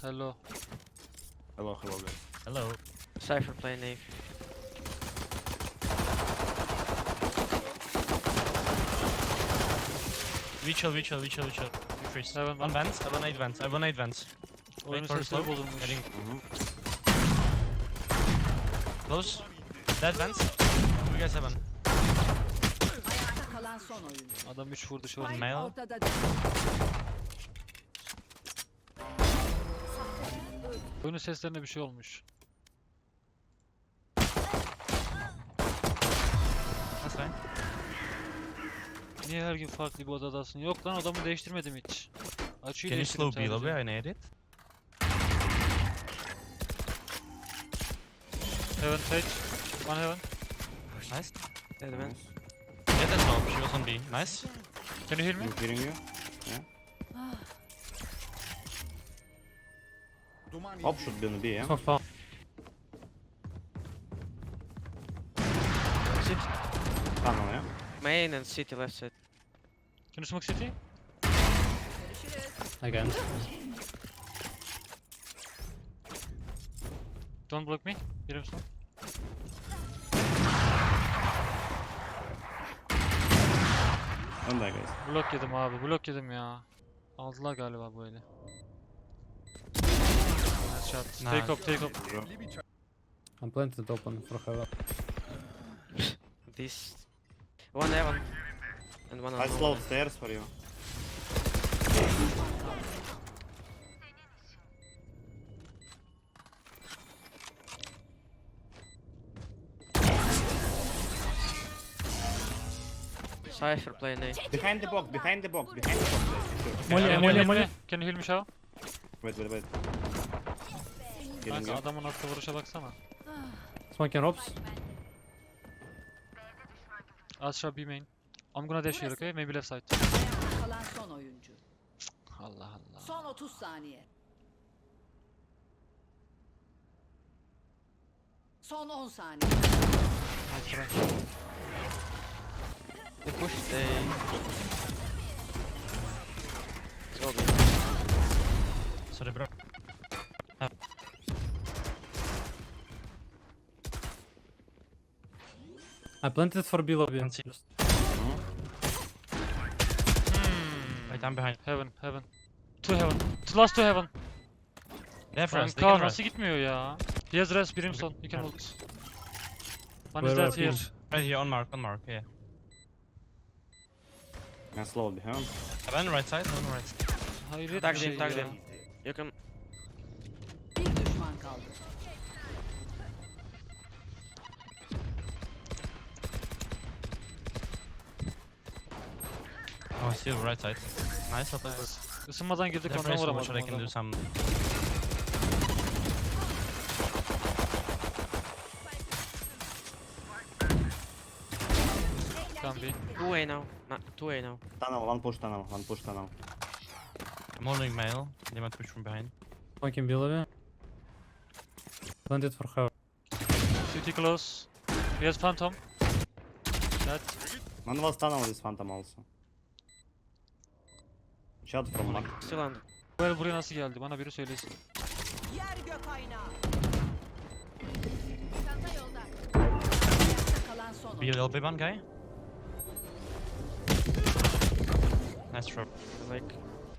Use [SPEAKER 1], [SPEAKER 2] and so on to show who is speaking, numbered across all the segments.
[SPEAKER 1] Hello.
[SPEAKER 2] Hello, hello guys.
[SPEAKER 3] Hello.
[SPEAKER 4] Cypher playing Nave.
[SPEAKER 3] We chill. We freeze.
[SPEAKER 1] Seven,
[SPEAKER 3] One vent, I have 8 vents. I have 8 vents.
[SPEAKER 1] Oyunun
[SPEAKER 3] for
[SPEAKER 1] sesleri
[SPEAKER 3] slow.
[SPEAKER 1] bozulmuş.
[SPEAKER 3] Heading
[SPEAKER 2] Mhm.
[SPEAKER 3] close. Dead vents. We guys heaven.
[SPEAKER 5] Ayakta kalan son oyuncu.
[SPEAKER 1] Adam 3 vurdu şu an.
[SPEAKER 5] Spike
[SPEAKER 3] Mail.
[SPEAKER 5] ortada değil.
[SPEAKER 1] Oyunun seslerine bir şey olmuş.
[SPEAKER 3] That's fine.
[SPEAKER 1] Niye her gün farklı bir odadasın? Yok lan, odamı değiştirmedim hiç. Açıyı
[SPEAKER 3] Can you
[SPEAKER 1] değiştirdim
[SPEAKER 3] slow B a
[SPEAKER 1] sadece.
[SPEAKER 3] little bit? I need it.
[SPEAKER 1] Heaven sage. One heaven.
[SPEAKER 3] Nice.
[SPEAKER 4] Dead man.
[SPEAKER 2] Nice.
[SPEAKER 3] Yeah, that's all. She was on B. Nice.
[SPEAKER 1] Can you hear me?
[SPEAKER 2] I'm hearing you. Hop should be on the B, yeah?
[SPEAKER 1] Sit.
[SPEAKER 2] Tunnel, yeah?
[SPEAKER 4] Main and city left side.
[SPEAKER 1] Can you smoke city?
[SPEAKER 3] Again.
[SPEAKER 1] Don't block me. Birim son.
[SPEAKER 2] On there guys.
[SPEAKER 1] Blok yedim abi. Blok yedim ya. Aldılar galiba bu eli. Nice shot.
[SPEAKER 3] Nice.
[SPEAKER 1] Take up, take up.
[SPEAKER 2] Bro.
[SPEAKER 6] I'm planted open for heaven.
[SPEAKER 4] This. One heaven. And one on
[SPEAKER 2] I
[SPEAKER 4] low.
[SPEAKER 2] slowed stairs for you.
[SPEAKER 4] Cypher playing Nave.
[SPEAKER 2] Behind the box, behind the box, behind the box. Guys.
[SPEAKER 6] Molly,
[SPEAKER 1] Can you
[SPEAKER 6] Molly,
[SPEAKER 1] heal
[SPEAKER 6] Molly.
[SPEAKER 1] me? Can you heal me Shao?
[SPEAKER 2] Wait. Healing
[SPEAKER 1] Kanka
[SPEAKER 2] you.
[SPEAKER 1] adamın attığı vuruşa baksana.
[SPEAKER 6] Smoking ropes.
[SPEAKER 1] Astra B main. I'm gonna dash here, okay? Maybe left side.
[SPEAKER 5] Ayakta kalan son oyuncu.
[SPEAKER 1] Allah Allah.
[SPEAKER 5] Son 30 saniye. Son 10 saniye.
[SPEAKER 1] Nice try.
[SPEAKER 4] They push, they... Let's go B.
[SPEAKER 3] Sorry, bro.
[SPEAKER 6] I planted for B lobby.
[SPEAKER 3] Can see. Wait, I'm behind.
[SPEAKER 1] Heaven, heaven. Two heaven. Last two heaven.
[SPEAKER 3] They have rest. They
[SPEAKER 1] Kanka
[SPEAKER 3] can rest.
[SPEAKER 1] nasıl gitmiyor ya? He has res, Brimstone. You can ult. One is
[SPEAKER 6] Where
[SPEAKER 1] dead
[SPEAKER 6] are
[SPEAKER 1] here.
[SPEAKER 6] people?
[SPEAKER 3] Right here, on mark, yeah.
[SPEAKER 2] I slowed behind.
[SPEAKER 3] Heaven, right side, heaven, right side.
[SPEAKER 1] Hayret
[SPEAKER 4] Tag
[SPEAKER 1] bir
[SPEAKER 4] them,
[SPEAKER 1] şey
[SPEAKER 4] tag
[SPEAKER 1] ya.
[SPEAKER 4] them. You can...
[SPEAKER 5] Bir düşman kaldı.
[SPEAKER 3] Oh, still right side. Nice, I'll play this.
[SPEAKER 1] Isınmadan girdik
[SPEAKER 3] They're
[SPEAKER 1] ondan
[SPEAKER 3] very slow,
[SPEAKER 1] vuramadım
[SPEAKER 3] so I can do
[SPEAKER 1] adamı.
[SPEAKER 3] some.
[SPEAKER 1] Can be.
[SPEAKER 4] 2A now. Nah, 2A now.
[SPEAKER 2] Tunnel, one push tunnel.
[SPEAKER 3] I'm holding mail. They might push from behind.
[SPEAKER 6] Smoking B lobby. Planted for heaven.
[SPEAKER 1] City close. He has phantom. Dead.
[SPEAKER 2] One was tunnel with phantom also. Shot from mark.
[SPEAKER 4] Still under.
[SPEAKER 1] Bu el buraya nasıl geldi? Bana biri söylesin.
[SPEAKER 5] Yer gök aynağı. Ayakta kalan son
[SPEAKER 3] Be a
[SPEAKER 5] oyuncu.
[SPEAKER 3] little bit one guy. Nice throw.
[SPEAKER 4] Like...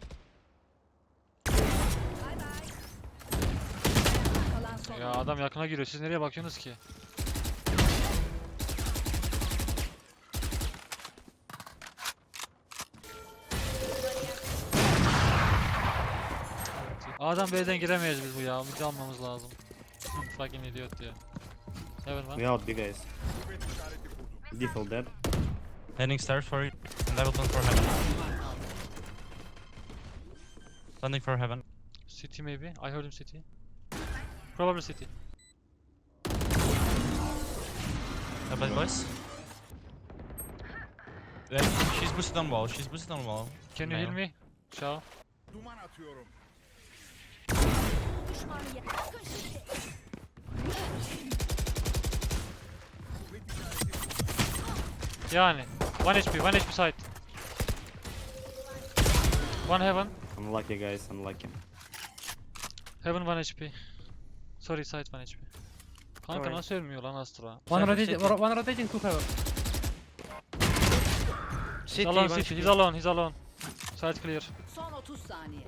[SPEAKER 5] Kalan son
[SPEAKER 1] Ya
[SPEAKER 5] oyuncu.
[SPEAKER 1] adam yakına giriyor. Siz nereye bakıyorsunuz ki? Adam B'den giremeyiz biz bu ya. Midi almamız lazım. Fucking idiot ya. Heaven one.
[SPEAKER 2] We out B guys. Default dead.
[SPEAKER 3] Heading stairs for you. And level 10 for heaven. Standing for heaven.
[SPEAKER 1] City maybe. I heard him city. Probably city.
[SPEAKER 3] Bad boys. Yeah, she's boosted on wall. She's boosted on wall.
[SPEAKER 1] Can you heal me? Shao. Yani. 1 HP, 1 HP side. One heaven.
[SPEAKER 2] Unlucky guys, unlucky.
[SPEAKER 1] Heaven 1 HP. Sorry, side 1 HP. Kanka
[SPEAKER 4] Sorry.
[SPEAKER 1] nasıl ölmüyor lan Astra?
[SPEAKER 6] One
[SPEAKER 4] Cypher
[SPEAKER 6] rotating,
[SPEAKER 4] city.
[SPEAKER 6] one rotating to heaven.
[SPEAKER 4] City,
[SPEAKER 1] He's alone,
[SPEAKER 4] one
[SPEAKER 1] city.
[SPEAKER 4] HP.
[SPEAKER 1] He's alone, he's alone. Side clear.
[SPEAKER 5] Son 30 saniye.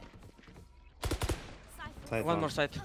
[SPEAKER 2] Side
[SPEAKER 4] One more side.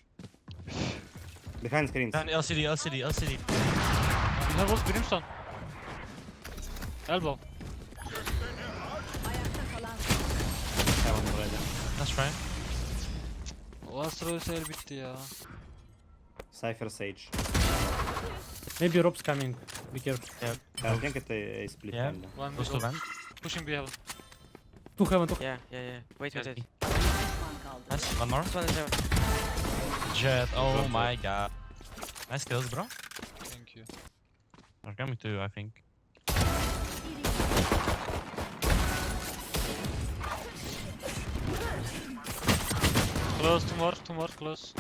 [SPEAKER 2] Behind screens.
[SPEAKER 3] And LCD, LCD, LCD.
[SPEAKER 1] We have both Brimstone. Elbow.
[SPEAKER 5] Ayakta kalan son.
[SPEAKER 2] Heaven already.
[SPEAKER 3] That's right.
[SPEAKER 1] O Astra ölse el bitti ya.
[SPEAKER 2] Cypher Sage.
[SPEAKER 6] Maybe Rob's coming. Be careful.
[SPEAKER 2] I think it's a split
[SPEAKER 3] Yeah.
[SPEAKER 2] kinda.
[SPEAKER 1] One
[SPEAKER 3] Goes to
[SPEAKER 1] middle.
[SPEAKER 3] vent.
[SPEAKER 1] Pushing B heaven.
[SPEAKER 6] To heaven, to
[SPEAKER 4] Yeah, yeah, yeah. Wait, wait, wait.
[SPEAKER 5] Düşman kaldı.
[SPEAKER 3] Nice. One more.
[SPEAKER 4] This one is there.
[SPEAKER 3] Jet. Oh
[SPEAKER 2] Drop
[SPEAKER 3] my god. Nice kills, bro.
[SPEAKER 1] Thank you.
[SPEAKER 3] They're coming too, I think.
[SPEAKER 1] Close, two more, close.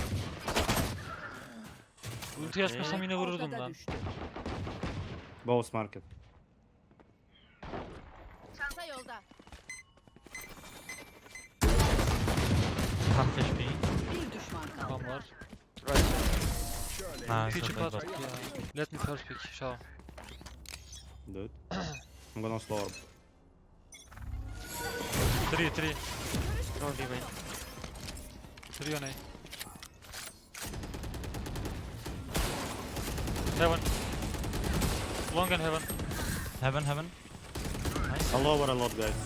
[SPEAKER 1] Ulti açmasam yine vururdum
[SPEAKER 5] Ortada
[SPEAKER 1] lan.
[SPEAKER 5] düştü.
[SPEAKER 2] Both market.
[SPEAKER 5] Çanta yolda.
[SPEAKER 3] Half HP.
[SPEAKER 5] Bir düşman kaldı.
[SPEAKER 1] Tam var.
[SPEAKER 4] Right.
[SPEAKER 3] Nice.
[SPEAKER 1] Küçük
[SPEAKER 3] That's
[SPEAKER 1] at
[SPEAKER 3] good.
[SPEAKER 1] ya. Let me first pick. Show.
[SPEAKER 2] Dude. I'm gonna slow orb.
[SPEAKER 1] 3.
[SPEAKER 4] Don't be main.
[SPEAKER 1] 3 on A. Heaven. Long and heaven.
[SPEAKER 3] Heaven, heaven.
[SPEAKER 2] All over a lot, guys.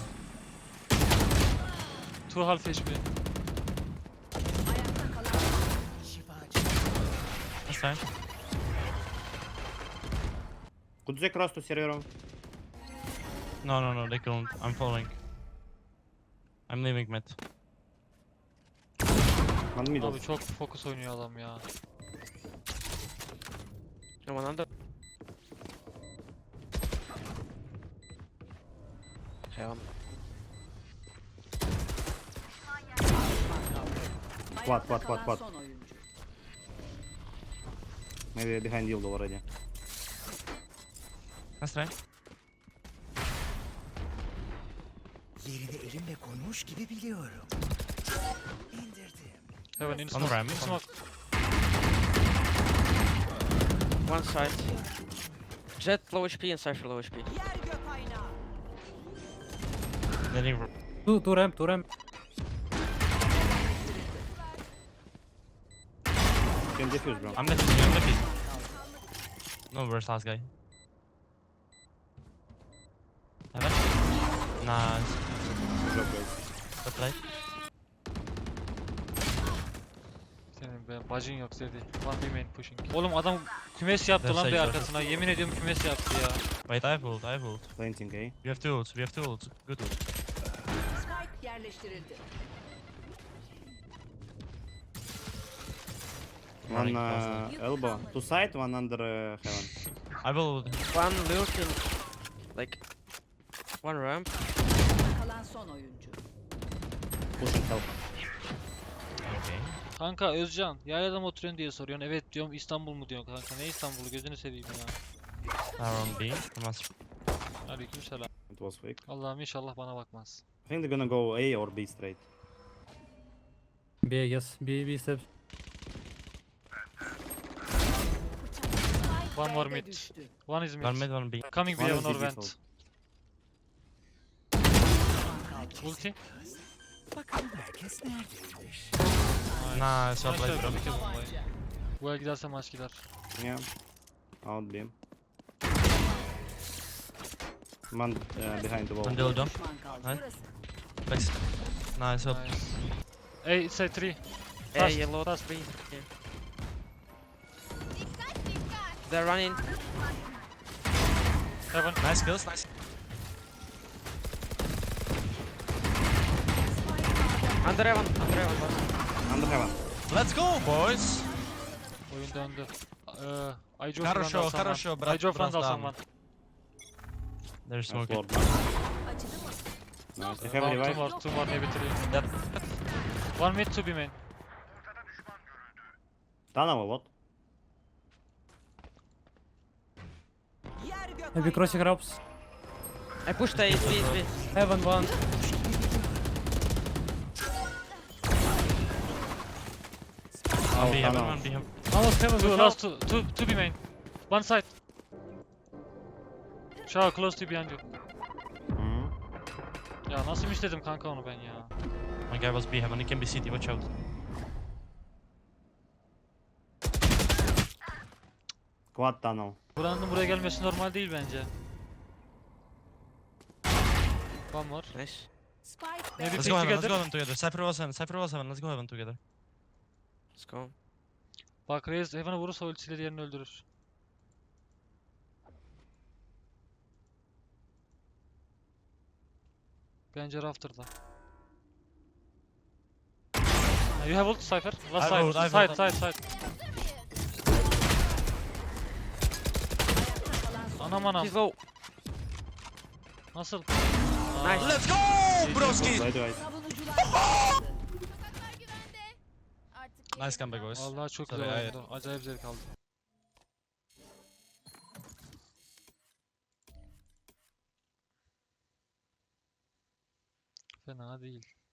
[SPEAKER 1] 2 half HP.
[SPEAKER 5] Ayakta kalan
[SPEAKER 3] That's fine.
[SPEAKER 2] Could you cross to server?
[SPEAKER 3] No, no, no, they couldn't. I'm following. I'm leaving mid.
[SPEAKER 2] One middle.
[SPEAKER 1] Abi çok fokus oynuyor adam ya.
[SPEAKER 4] No one under. Heaven.
[SPEAKER 2] What,
[SPEAKER 5] Ayakta kalan
[SPEAKER 2] what?
[SPEAKER 5] son oyuncu.
[SPEAKER 2] Maybe behind yield already.
[SPEAKER 3] That's right.
[SPEAKER 7] Yerini elimle koymuş gibi biliyorum. İndirdim.
[SPEAKER 1] Heaven in
[SPEAKER 3] On
[SPEAKER 1] smoke.
[SPEAKER 3] ramp.
[SPEAKER 1] In smoke.
[SPEAKER 4] One side. Jet low HP and Cypher low HP.
[SPEAKER 5] Yer gök aynağı.
[SPEAKER 3] Letting.
[SPEAKER 6] To ramp, to ramp.
[SPEAKER 2] You can defuse, bro.
[SPEAKER 3] I'm defusing, I'm defusing. No, where's last guy? Heaven? Nice.
[SPEAKER 2] Drop, guys.
[SPEAKER 3] Good play.
[SPEAKER 1] Senin be bacın yok Zedi. One B main pushing. Oğlum adam kümes yaptı lan bir
[SPEAKER 3] Destek
[SPEAKER 1] arkasına. Yemin ediyorum kümes yaptı ya.
[SPEAKER 3] Wait, I have ult, I have ult.
[SPEAKER 2] Planting, eh?
[SPEAKER 3] We have two ults, we have two ults. Good ult.
[SPEAKER 5] Spike yerleştirildi.
[SPEAKER 2] One
[SPEAKER 3] Running fast.
[SPEAKER 2] elbow. Two side, one under heaven.
[SPEAKER 3] I will ult.
[SPEAKER 4] One lurking. Like. One ramp.
[SPEAKER 5] Ayakta kalan son oyuncu.
[SPEAKER 2] Pushing help.
[SPEAKER 3] Okay.
[SPEAKER 1] Kanka Özcan, yaylada mı oturuyorsun diye soruyorsun. Evet diyorum, İstanbul mu diyorsun kanka. Ne İstanbul'u, gözünü seveyim ya.
[SPEAKER 3] Now on B. I must.
[SPEAKER 1] Aleykümselam.
[SPEAKER 2] It was fake.
[SPEAKER 1] Allah'ım inşallah bana bakmaz.
[SPEAKER 2] I think they're gonna go A or B straight.
[SPEAKER 6] B, yes. B steps.
[SPEAKER 1] One more mid.
[SPEAKER 5] Düştü.
[SPEAKER 1] One is mid.
[SPEAKER 3] One mid, one B.
[SPEAKER 1] Coming B
[SPEAKER 2] One
[SPEAKER 1] heaven
[SPEAKER 2] is
[SPEAKER 1] or
[SPEAKER 2] digital.
[SPEAKER 1] vent. Ulti.
[SPEAKER 7] Bakalım herkes neredeymiş.
[SPEAKER 3] Nice, well played, bro.
[SPEAKER 1] Maç ver, bombayı. Bu el giderse maç gider.
[SPEAKER 2] Yeah. Out beam. Man behind the wall.
[SPEAKER 3] One dildo.
[SPEAKER 5] Düşman kaldı.
[SPEAKER 3] Nice.
[SPEAKER 5] Burası.
[SPEAKER 3] Flex. Nice, well.
[SPEAKER 1] Nice. Hey, it's a 3.
[SPEAKER 4] Yeah,
[SPEAKER 1] Fast,
[SPEAKER 4] yellow
[SPEAKER 1] fast.
[SPEAKER 4] 3. Yeah. They're running.
[SPEAKER 1] Heaven.
[SPEAKER 3] Nice kills, nice.
[SPEAKER 4] Under heaven. Under heaven. boss.
[SPEAKER 2] Under heaven.
[SPEAKER 3] Let's go, boys!
[SPEAKER 1] Oyun döndü. I drove
[SPEAKER 3] Хорошо,
[SPEAKER 1] Front of
[SPEAKER 3] хорошо,
[SPEAKER 1] someone.
[SPEAKER 3] брат,
[SPEAKER 1] I drove front of
[SPEAKER 3] братан.
[SPEAKER 1] someone.
[SPEAKER 3] They're
[SPEAKER 2] Nice
[SPEAKER 3] smoking.
[SPEAKER 2] lord. Nice. They have
[SPEAKER 1] Two
[SPEAKER 2] revive.
[SPEAKER 1] more, two more, maybe 3.
[SPEAKER 3] Yep.
[SPEAKER 1] One mid, 2 B main.
[SPEAKER 2] Tunnel a lot.
[SPEAKER 5] Yer gök
[SPEAKER 6] Maybe crossing ropes.
[SPEAKER 4] I pushed A. B.
[SPEAKER 6] Heaven one.
[SPEAKER 3] One B heaven,
[SPEAKER 2] tunnel.
[SPEAKER 3] one B heaven.
[SPEAKER 1] Almost heaven,
[SPEAKER 6] Two
[SPEAKER 1] last two B main. One side. Shower close to behind you.
[SPEAKER 2] Mhm.
[SPEAKER 1] Ya nasıl istedim kanka onu ben ya.
[SPEAKER 3] My guy was B heaven, he can be CT, watch out.
[SPEAKER 2] Quad tunnel.
[SPEAKER 1] Buranın buraya gelmesi normal değil bence. One more.
[SPEAKER 4] Nice.
[SPEAKER 5] Spike
[SPEAKER 1] Maybe
[SPEAKER 3] Let's
[SPEAKER 1] pick
[SPEAKER 3] go heaven, let's
[SPEAKER 1] together.
[SPEAKER 3] go heaven together. Cypher was heaven, Cypher was heaven, let's go heaven together.
[SPEAKER 4] Let's go.
[SPEAKER 1] Bak Reis Heaven'a vurursa ultisiyle diğerini öldürür. Bence Rafter'da. You have ult Cypher. Last
[SPEAKER 3] I
[SPEAKER 1] side.
[SPEAKER 3] ult,
[SPEAKER 1] Side,
[SPEAKER 3] ult.
[SPEAKER 1] side, side. Anam anam.
[SPEAKER 4] He's low.
[SPEAKER 1] Nasıl?
[SPEAKER 4] Nice.
[SPEAKER 3] Let's go, broski!
[SPEAKER 2] Wait, wait.
[SPEAKER 5] savunucular kazandı.
[SPEAKER 3] Nice comeback, boys.
[SPEAKER 1] Vallahi çok
[SPEAKER 3] Tabii,
[SPEAKER 1] güzel
[SPEAKER 3] hayır.
[SPEAKER 1] oldu. Acayip zevk aldım. Fena değil.